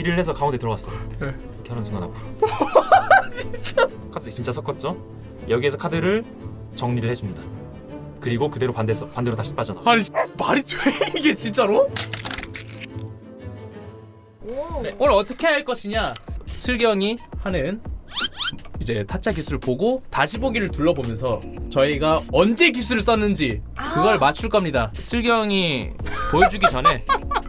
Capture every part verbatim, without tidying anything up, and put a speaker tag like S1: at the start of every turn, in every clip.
S1: 길이를 해서 가운데 들어갔어.
S2: 네.
S1: 이렇게 하는 순간 앞으로. 진짜? 카드 진짜 섞었죠? 여기에서 카드를 정리를 해줍니다. 그리고 그대로 반대 반대로 다시 빠져나.
S2: 아니 말이 돼 이게 진짜로?
S3: 오.
S2: 네. 오늘 어떻게 할 것이냐? 슬경이 하는 이제 타짜 기술을 보고 다시 보기를 둘러보면서 저희가 언제 기술을 썼는지 그걸 맞출 겁니다. 슬경이 보여주기 전에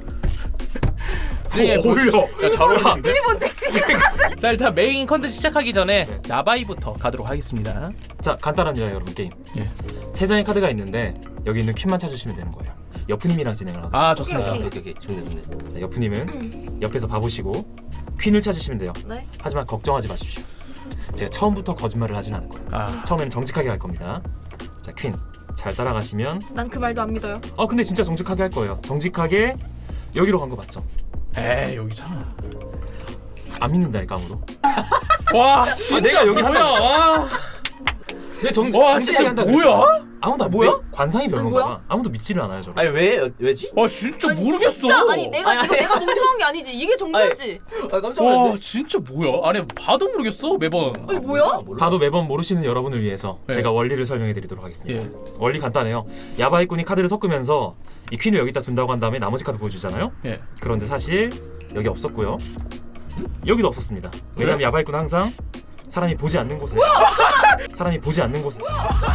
S2: 슬경이
S1: 어울려.
S2: 잘 어울리는데?
S3: 일본 택시.
S2: 자 일단 메인 컨텐츠 시작하기 전에 야바이부터 가도록 하겠습니다.
S1: 자 간단합니다 여러분 게임.
S2: 예.
S1: 세 장의 카드가 있는데 여기 있는 퀸만 찾으시면 되는 거예요. 여프님이랑 진행을 하도록.
S2: 아 좋습니다.
S3: 오케이,
S4: 오케이 오케이 좋네 좋네.
S1: 자, 여프님은 옆에서 봐보시고 퀸을 찾으시면 돼요.
S3: 네.
S1: 하지만 걱정하지 마십시오. 제가 처음부터 거짓말을 하진 않을 거예요.
S2: 아,
S1: 처음에는 정직하게 할 겁니다. 자 퀸 잘 따라가시면
S3: 난 그 말도 안 믿어요.
S1: 어 근데 진짜 정직하게 할 거예요. 정직하게 여기로 간 거 맞죠?
S2: 에이 여기잖아.
S1: 안 믿는다니까 아무도.
S2: 와 진짜
S1: 내가 여기
S2: 뭐야? 와,
S1: 내 정,
S2: 와
S1: 정직하게
S2: 진짜
S1: 한다
S2: 뭐야?
S1: 아무도 안
S4: 뭐야?
S1: 내- 관상이 별론가
S3: 뭐야?
S1: 봐. 아무도 믿지를 않아요 저를.
S4: 아니 왜 왜지?
S2: 와 진짜
S3: 아니,
S2: 모르겠어.
S3: 진짜 아니 내가
S4: 아니,
S3: 이거
S4: 아니.
S3: 내가 멍청한 게 아니지. 이게 정답이지.
S4: 아 깜짝
S2: 와
S4: 놀랐네.
S2: 진짜 뭐야? 아니 봐도 모르겠어 매번.
S3: 아니 뭐야?
S4: 몰라.
S1: 봐도 매번 모르시는 여러분을 위해서
S2: 네.
S1: 제가 원리를 설명해 드리도록 하겠습니다.
S2: 예.
S1: 원리 간단해요. 야바이꾼이 카드를 섞으면서 이 퀸을 여기다 둔다고 한 다음에 나머지 카드 보여주잖아요.
S2: 예.
S1: 그런데 사실 여기 없었고요. 여기도 없었습니다. 왜냐면
S2: 왜?
S1: 야바이꾼은 항상 사람이 보지 않는 곳에 사람이 보지 않는 곳에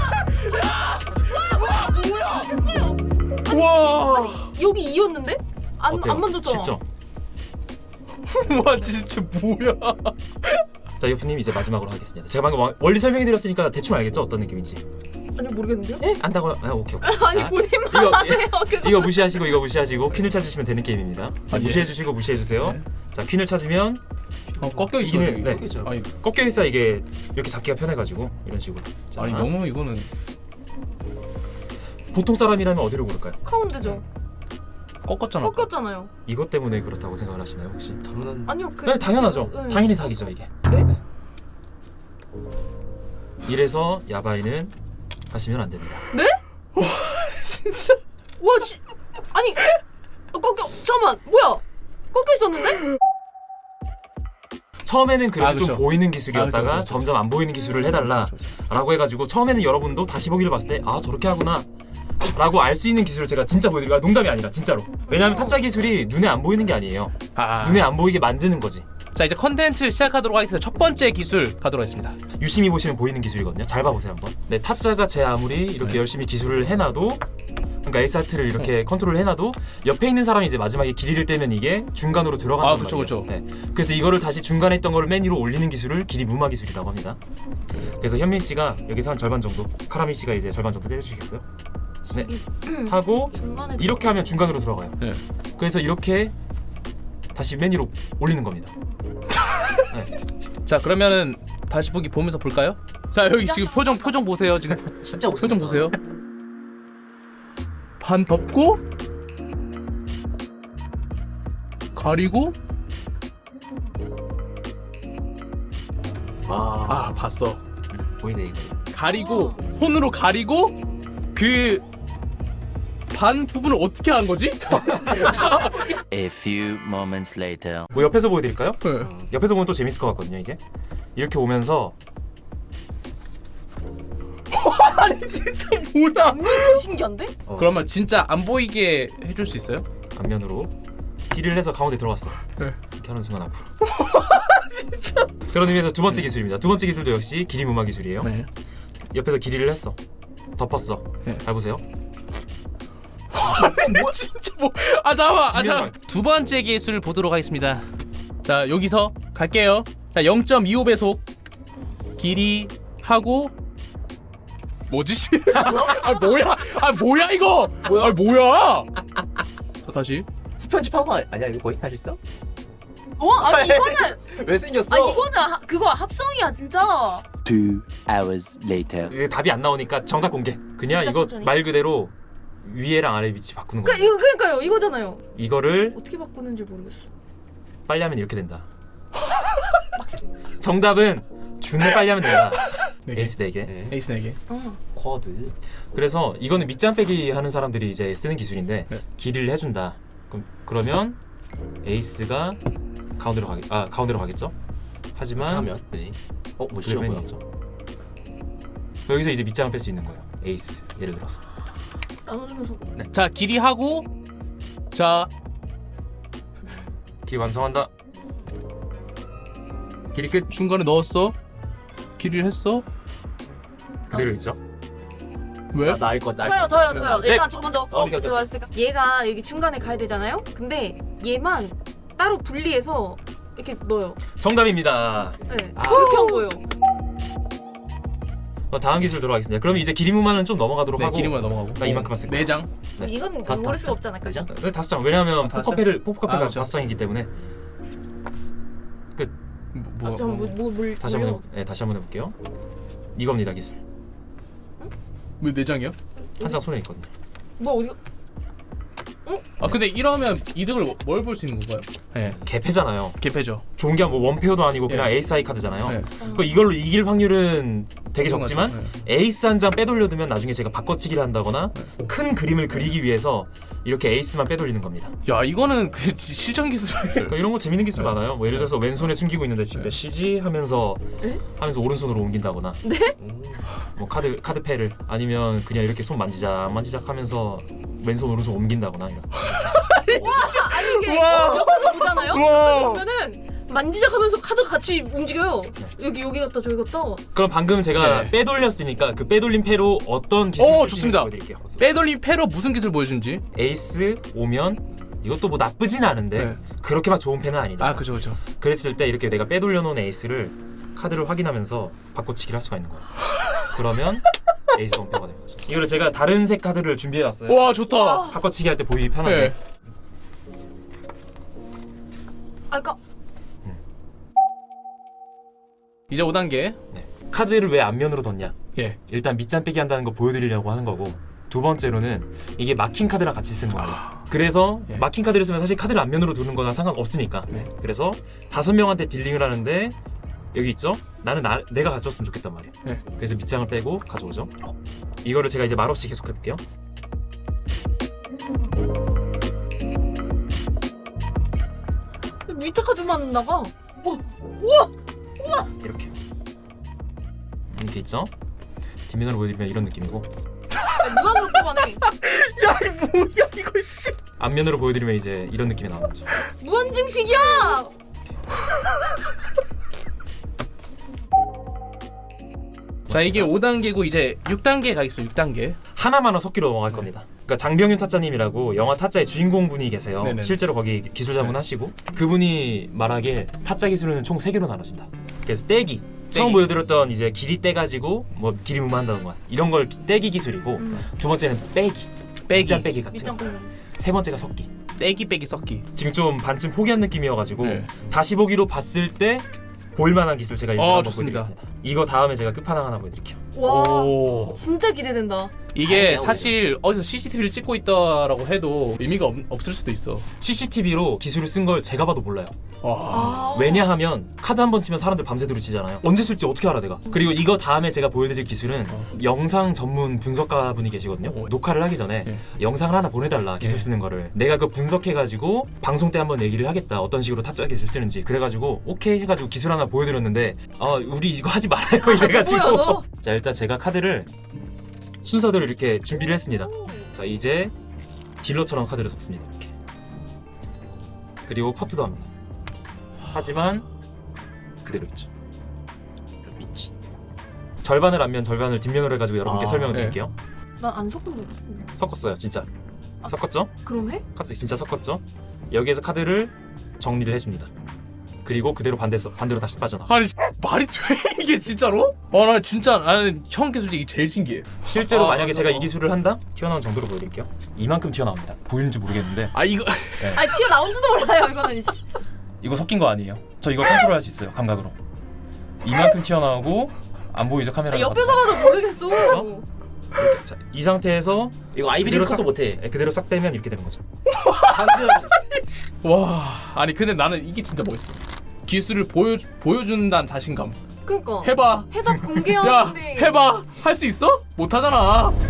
S2: 와,
S3: 여기 이었는데? 안,
S1: 어때요?
S3: 안 만졌잖아.
S1: 쉽죠?
S2: 와 진짜 뭐야?
S1: 자 유프님 이제 마지막으로 하겠습니다. 제가 방금 와- 원리 설명해 드렸으니까 대충 알겠죠? 어떤 느낌인지.
S3: 아니 모르겠는데요?
S1: 예? 안다고? 아 오케이 오케이.
S3: 아니
S1: 자,
S3: 본인만
S1: 이거-
S3: 하세요. 그거.
S1: 이거 무시하시고 이거 무시하시고 퀸을 찾으시면 되는 게임입니다.
S2: 아, 예.
S1: 무시해 주시고 무시해 주세요.
S2: 네.
S1: 자 퀸을 찾으면
S2: 어, 꺾여 있어.
S1: 이기는-
S2: 여기.
S1: 네.
S4: 여기죠.
S2: 아니,
S1: 꺾여 있어 이게 이렇게 잡기가 편해가지고 이런 식으로. 자,
S2: 아니 너무 이거는
S1: 보통 사람이라면 어디를 고를까요?
S3: 가운데죠.
S2: 꺾었잖아.
S3: 꺾였잖아요.
S1: 이것 때문에 그렇다고 생각을 하시나요 혹시?
S4: 당연한.
S3: 아니요 그.
S1: 네, 당연하죠.
S3: 지금, 네.
S1: 당연히 사기죠 이게.
S3: 네?
S1: 이래서 야바이는 하시면 안 됩니다.
S2: 진짜.
S3: 와 지, 아니 어, 꺾여. 잠깐만 뭐야? 꺾여 있었는데?
S1: 처음에는 그래도
S2: 아, 그쵸.
S1: 좀 보이는 기술이었다가
S2: 아, 그쵸, 그쵸.
S1: 점점 안 보이는 기술을 해달라라고 해가지고 처음에는 여러분도 다시 보기를 봤을 때 아 저렇게 하구나 라고 알 수 있는 기술을 제가 진짜 보여드리고 아, 농담이 아니라 진짜로. 왜냐하면 타짜 기술이 눈에 안 보이는 게 아니에요.
S2: 아,
S1: 눈에 안 보이게 만드는 거지.
S2: 자 이제 컨텐츠 시작하도록 하겠습니다. 첫 번째 기술 가도록 하겠습니다.
S1: 유심히 보시면 보이는 기술이거든요. 잘 봐보세요 한번. 네, 타짜가 제 아무리 이렇게
S2: 네.
S1: 열심히 기술을 해놔도 그러니까 에이스 하트를 이렇게 컨트롤을 해놔도 옆에 있는 사람이 이제 마지막에 길이를 떼면 이게 중간으로 들어간단
S2: 아, 그쵸,
S1: 말이에요.
S2: 그쵸.
S1: 네. 그래서 이거를 다시 중간에 있던 거를 맨 위로 올리는 기술을 길이 무마 기술이라고 합니다. 그래서 현민 씨가 여기서 한 절반 정도, 카라미 씨가 이제 절반 정도 떼주시겠어요? 네. 하고
S3: 중간에
S1: 이렇게 하면 중간으로 들어가요.
S2: 네.
S1: 그래서 이렇게 다시 맨 위로 올리는 겁니다. 네.
S2: 자 그러면은 다시 보기 보면서 볼까요? 자 여기 지금 표정 표정 보세요. 지금
S4: 진짜
S2: 표정 보세요. 반 덮고 가리고
S4: 아,
S2: 아 봤어.
S4: 보이네 이거.
S2: 가리고 손으로 가리고 그 반 부분을 어떻게 한 거지?
S5: A few moments later.
S1: 뭐 옆에서 보여드릴까요?
S2: 네.
S1: 옆에서 보면 또 재밌을 것 같거든요 이게. 이렇게 오면서
S2: 아니 진짜 뭐야?
S3: 음, 신기한데?
S1: 어,
S2: 그러면 진짜 안 보이게 해줄 수 있어요?
S1: 앞면으로 길이를 해서 가운데 들어갔어.
S2: 네.
S1: 이렇게 하는 순간 앞으로. 진짜. 그런 의미에서 두 번째 기술입니다. 두 번째 기술도 역시 길이 무마 기술이에요.
S2: 네.
S1: 옆에서 길이를 했어. 덮었어.
S2: 네.
S1: 잘 보세요.
S2: 뭐 진짜 뭐? 아 잠깐만. 아
S1: 중요한
S2: 잠깐. 두 번째 기술 보도록 하겠습니다. 자 여기서 갈게요. 자 영 점 이오 배속 길이 하고 뭐지? 씨? 아 뭐야? 아 뭐야 이거?
S4: 뭐야?
S2: 아 뭐야? 자 다시.
S4: 후편집한 거 아니야 이거 거의 사실상?
S3: 어? 아니 이거는
S4: 왜 생겼어?
S3: 아 이거는 하, 그거 합성이야 진짜.
S5: Two hours later.
S1: 이게 답이 안 나오니까 정답 공개. 그냥
S3: 진짜
S1: 이거
S3: 천천히?
S1: 말 그대로 위에랑 아래 위치 바꾸는
S3: 그
S1: 거예요.
S3: 이거 그러니까요 이거잖아요.
S1: 이거를
S3: 어떻게 바꾸는지 모르겠어.
S1: 빨리 하면 이렇게 된다. 정답은 준을 빨리 하면 된다.
S2: 네 개.
S1: 에이스 네 개.
S4: 네.
S2: 에이스 네 개.
S3: 어.
S4: 쿼드.
S1: 그래서 이거는 밑장 빼기 하는 사람들이 이제 쓰는 기술인데
S2: 네.
S1: 길이를 해준다. 그럼 그러면 에이스가 가운데로 가겠 아 가운데로 가겠죠. 하지만
S4: 하면 그지? 어? 뭐 싫어 보여?
S1: 블랙맨이겠죠. 여기서 이제 밑장을 뺄 수 있는 거예요. 에이스 예를 들어서.
S3: 나눠주면서.
S2: 자 길이 하고 자
S1: 길 완성한다. 길이 끝.
S2: 중간에 넣었어. 길이를 했어.
S1: 그대로 있죠.
S2: 왜?
S4: 나 나을 것 날.
S3: 저요 저요 저요.
S2: 네.
S3: 일단 저 먼저.
S4: 어, 오케이, 오케이.
S3: 말했으니까. 얘가 여기 중간에 가야 되잖아요. 근데 얘만 따로 분리해서 이렇게 넣어요.
S1: 정답입니다.
S3: 네.
S4: 아.
S3: 그렇게 한 거예요.
S1: 어, 다음 기술 들어가겠습니다. 그럼 이제 길이무만은 좀 넘어가도록
S2: 네
S1: 하고.
S2: 길이만 넘어가고.
S1: 나 이만큼만 쓸게요.
S2: 네 장.
S1: 네.
S3: 이건
S4: 다-
S3: 모를
S4: 다-
S3: 수가 없잖아.
S4: 그죠?
S1: 네, 다섯 장. 왜냐하면
S2: 아, 다섯
S1: 포커패를 포커패가
S2: 아, 그렇죠.
S1: 다섯 장이기 때문에.
S2: 뭐,
S3: 아, 뭐, 뭐, 뭘
S1: 다시 한번 해볼, 네, 다시 한번 해볼게요. 이겁니다 기술.
S2: 왜네 장이야?
S1: 한 장 손에 있거든요.
S3: 뭐 어디?
S2: 아 근데 이러면 이득을 뭘 볼 수 있는 건가요? 네.
S1: 개패잖아요.
S2: 개패죠.
S1: 좋은 게 뭐 원페어도 아니고 그냥
S2: 예.
S1: 에이스 하이 카드잖아요.
S2: 네.
S1: 그러니까 이걸로 이길 확률은 되게 적지만
S2: 네.
S1: 에이스 한 장 빼돌려두면 나중에 제가 바꿔치기를 한다거나
S2: 네.
S1: 큰 그림을 그리기 위해서 이렇게 에이스만 빼돌리는 겁니다.
S2: 야 이거는 그 지- 실전 기술.
S1: 그러니까 이런 거 재밌는 기술
S2: 네.
S1: 많아요. 뭐 예를 들어서 왼손에 숨기고 있는데 지금
S2: 네.
S1: 몇 시지 하면서
S3: 에?
S1: 하면서 오른손으로 옮긴다거나
S4: 음.
S1: 뭐 카드 카드 패를 아니면 그냥 이렇게 손 만지작 만지작 하면서 왼손 오른손 옮긴다거나 이런.
S3: 아니 이게
S2: 우와.
S3: 영화를 보잖아요.
S2: 우와.
S3: 그러면은 만지작하면서 카드 같이 움직여요. 여기 여기 갔다 저기 갔다.
S1: 그럼 방금 제가
S2: 네.
S1: 빼돌렸으니까 그 빼돌린 패로 어떤 기술
S2: 오,
S1: 쓸수 있는지
S2: 좋습니다.
S1: 보여드릴게요.
S2: 빼돌림 패로 무슨 기술 보여준지.
S1: 에이스 오면 이것도 뭐 나쁘진 않은데
S2: 네.
S1: 그렇게 막 좋은 패는 아니다.
S2: 아 그죠 그죠.
S1: 그랬을 때 이렇게 내가 빼돌려 놓은 에이스를 카드를 확인하면서 바꿔치기를 할 수가 있는 거예요. 그러면 에이스 원패가 되는 거죠. 이거를 제가 다른 색 카드를 준비해 왔어요.
S2: 와 좋다.
S1: 바꿔치기 할 때 보이기 편하게.
S2: 네.
S3: 아 그러니까
S2: 이제 오 단계.
S1: 네. 카드를 왜 앞면으로 뒀냐?
S2: 예.
S1: 일단 밑잔 빼기 한다는 거 보여드리려고 하는 거고, 두 번째로는 이게 마킹 카드랑 같이 쓰는 거예요. 그래서
S2: 예.
S1: 마킹 카드를 쓰면 사실 카드를 앞면으로 두는 거랑 상관없으니까.
S2: 네.
S1: 그래서 다섯 명한테 딜링을 하는데 여기 있죠? 나는 나, 내가 가져왔으면 좋겠단 말이에요.
S2: 네.
S1: 그래서 밑장을 빼고 가져오죠. 이거를 제가 이제 말없이 계속 해볼게요.
S3: 밑에 카드만 나가.
S1: 이렇게 이렇게 있죠? 뒷면으로 보여드리면 이런 느낌이고,
S3: 무한으로 뽑아내.
S2: 야 이 뭐야 이거 씨.
S1: 앞면으로 보여드리면 이제 이런 느낌이 나오는 거죠.
S3: 무한 증식이야.
S2: 자 이게 오 단계고 이제 육 단계 가겠습니다. 육 단계.
S1: 하나만은 섞기로 넘어갈 겁니다. 그러니까 장병윤 타짜님이라고 영화 타짜의 주인공 분이 계세요.
S2: 네네.
S1: 실제로 거기 기술 자문하시고 그분이 말하길 타짜 기술은 총 세 개로 나눠진다. 그래서 떼기. 처음 보여드렸던 이제 길이 떼가지고 뭐 길이 무마한다는 거야. 이런 걸 떼기 기술이고,
S3: 음.
S1: 두 번째는 빼기.
S2: 빼기.
S1: 밑장 빼기 같은
S3: 밑장
S1: 거.
S3: 빼기.
S1: 세 번째가 섞기.
S2: 떼기 빼기 섞기.
S1: 지금 좀 반쯤 포기한 느낌이어가지고
S2: 네.
S1: 다시 보기로 봤을 때 볼만한 기술 제가 이거
S2: 어,
S1: 한번
S2: 좋습니다.
S1: 보여드리겠습니다. 이거 다음에 제가 끝판왕 하나 보여드릴게요.
S3: 와.
S2: 오.
S3: 진짜 기대된다.
S2: 이게
S4: 아니야,
S2: 사실 어디서 씨씨티비를 찍고 있다라고 해도 의미가 없, 없을 수도 있어.
S1: 씨씨티비로 기술을 쓴 걸 제가 봐도 몰라요.
S2: 와.
S3: 아.
S1: 왜냐하면 카드 한 번 치면 사람들 밤새도록 치잖아요. 언제 쓸지 어떻게 알아 내가. 그리고 이거 다음에 제가 보여드릴 기술은
S2: 어.
S1: 영상 전문 분석가 분이 계시거든요.
S2: 어.
S1: 녹화를 하기 전에
S2: 네.
S1: 영상을 하나 보내달라, 기술
S2: 네.
S1: 쓰는 거를. 내가 그 분석해가지고 방송 때 한번 얘기를 하겠다, 어떤 식으로 타짜 기술 쓰는지. 그래가지고 오케이 해가지고 기술 하나 보여드렸는데, 아 우리 이거 하지 말아요 이래가지고.
S3: 보여서.
S1: 자 일단 제가 카드를 순서대로 이렇게 준비를 했습니다. 자 이제 딜러처럼 카드를 섞습니다. 이렇게. 그리고 퍼트도 합니다. 하지만 그대로 있죠.
S4: 미치.
S1: 절반을 앞면 절반을 뒷면으로 해가지고 여러분께
S2: 아,
S1: 설명을
S2: 네.
S1: 드릴게요.
S3: 난 안 섞은 거 같은데.
S1: 섞었어요 진짜. 섞었죠?
S3: 그러네?
S1: 카드 진짜 섞었죠? 여기에서 카드를 정리를 해줍니다. 그리고 그대로 반대서 반대로 다시 빠져나가.
S2: 아니 말이 돼 이게 진짜로? 아나 진짜 나는 형 기술 중에 제일 신기해.
S1: 실제로
S2: 아,
S1: 만약에 제가
S2: 어.
S1: 이 기술을 한다? 튀어나온 정도로 보여드릴게요. 이만큼 튀어나옵니다. 보이는지 모르겠는데
S2: 아 이거
S3: 아니 튀어 나온지도 몰라요 이거는. 씨.
S1: 이거 섞인 거 아니에요. 저 이거 컨트롤할 수 있어요 감각으로. 이만큼 튀어나오고 안 보이죠 카메라.
S3: 아, 옆에서 봐도 모르겠어.
S1: 그렇죠? 이렇게. 자, 이 상태에서
S4: 이거 아이비리
S1: 그대로
S4: 컷도
S1: 싹-
S4: 못해.
S1: 예, 그대로 싹 빼면 이렇게 되는 거죠.
S4: 방금
S2: 와 아니 근데 나는 이게 진짜 멋있어. 기술을 보여 보여준다는 자신감.
S3: 그니까.
S2: 해봐.
S3: 해답
S2: 야
S3: 공개하는데.
S2: 해봐. 할 수 있어? 못 하잖아.